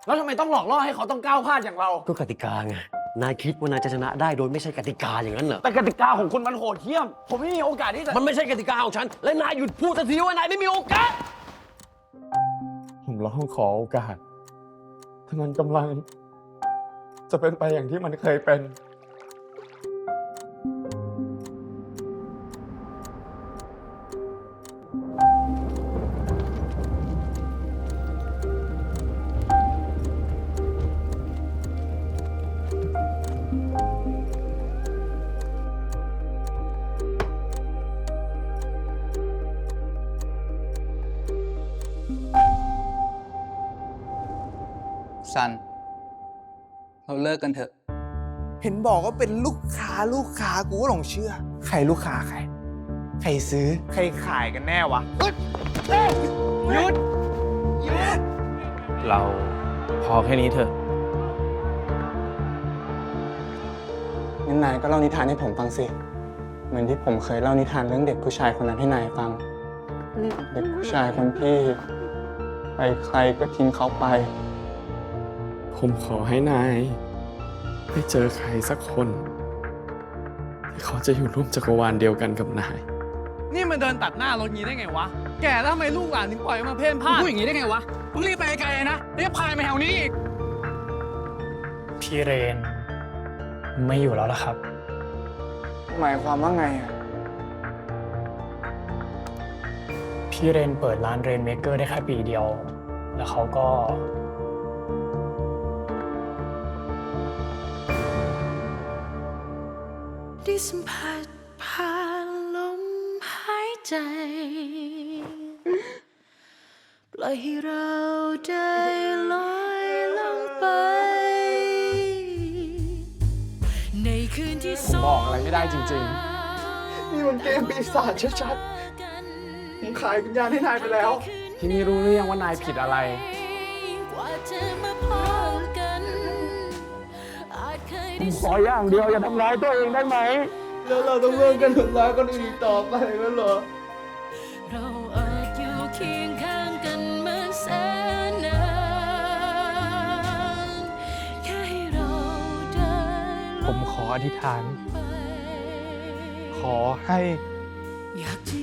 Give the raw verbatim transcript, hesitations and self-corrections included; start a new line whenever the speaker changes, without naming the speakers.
แล้วทำไมต้องหลอกล่อให้เขาต้องก้าวพลาดอย่างเรา
ก็กติกาไง นายคิดว่านายจะชนะได้โดยไม่ใช่กติกาอย่างนั้นเหรอ
แต่กติกาของคุณมันโหดเหี้ยม ผมไม่มีโอกาสที่จะ
มันไม่ใช่กติกาของฉัน และนายหยุดพูดสักทีว่านายไม่มีโอกาส
ผมร้องขอโอกาสถ้ามันกำลัง จะเป็นไปอย่างที่มันเคยเป็น
ซัน เราเลิกกันเถอะ
เห็นบอกว่าเป็นลูกค้าลูกค้ากูก็หลงเชื่อ ใครลูกค้าใคร ใครซื้อ ใครขายกันแน่วะหยุดหยุด
เราพอแค่นี้เถอะ
งั้นนายก็เล่านิทานให้ผมฟังสิ เหมือนที่ผมเคยเล่านิทานเรื่องเด็กผู้ชายคนนั้นให้นายฟัง เด็กผู้ชายคนที่ใครใครก็ทิ้งเขาไป
ผมขอให้นายได้เจอใครสักคนที่เขาจะอยู่ร่วมจักรวาลเดียวกันกับนาย
นี่มันเดินตัดหน้ารถงี้ได้ไงวะ แก่แล้วทำไมลูกหลานถึงปล่อยมาเพ่นพ่าน
พูดอย่างนี้ได้ไงวะมึงรีบไปไกลๆนะเรียกพายมาแถวนี้อีก
พี่เรน ไม่อยู่แล้วล่ะครับ
หมายความว่าไงอ่ะ
พี่เรนเปิดร้านเรนเมเกอร์ได้แค่ปีเดียว แล้วเขาก็
ได้สัมผัสผ่านลมหายใจ ปล่อยให้เราได้ลอยลงไป ในคืนที่
ผมบอกอะไรไม่ได้จริงๆ นี่มันเกมปีศาจชัดๆผมขายวิญญาณให้นายไปแล้ว ที่นี่รู้หรือยังว่านายผิดอะไร
กว่าจะมาพบกันอาจเคย
ผ
ได้
มขออย่างเดียวอย่าทำร้ายตัวเองได้ไหม แล้วเราต้องเลิกกันทำร้ายคนอื่นต่อไปแล้วเหรอ
เราอาจอยู่เคียงข้างกันมาแสนนานแค่ให้เราได้
ผมขออธิษฐาน
ไป
ขอให้
อยากจะ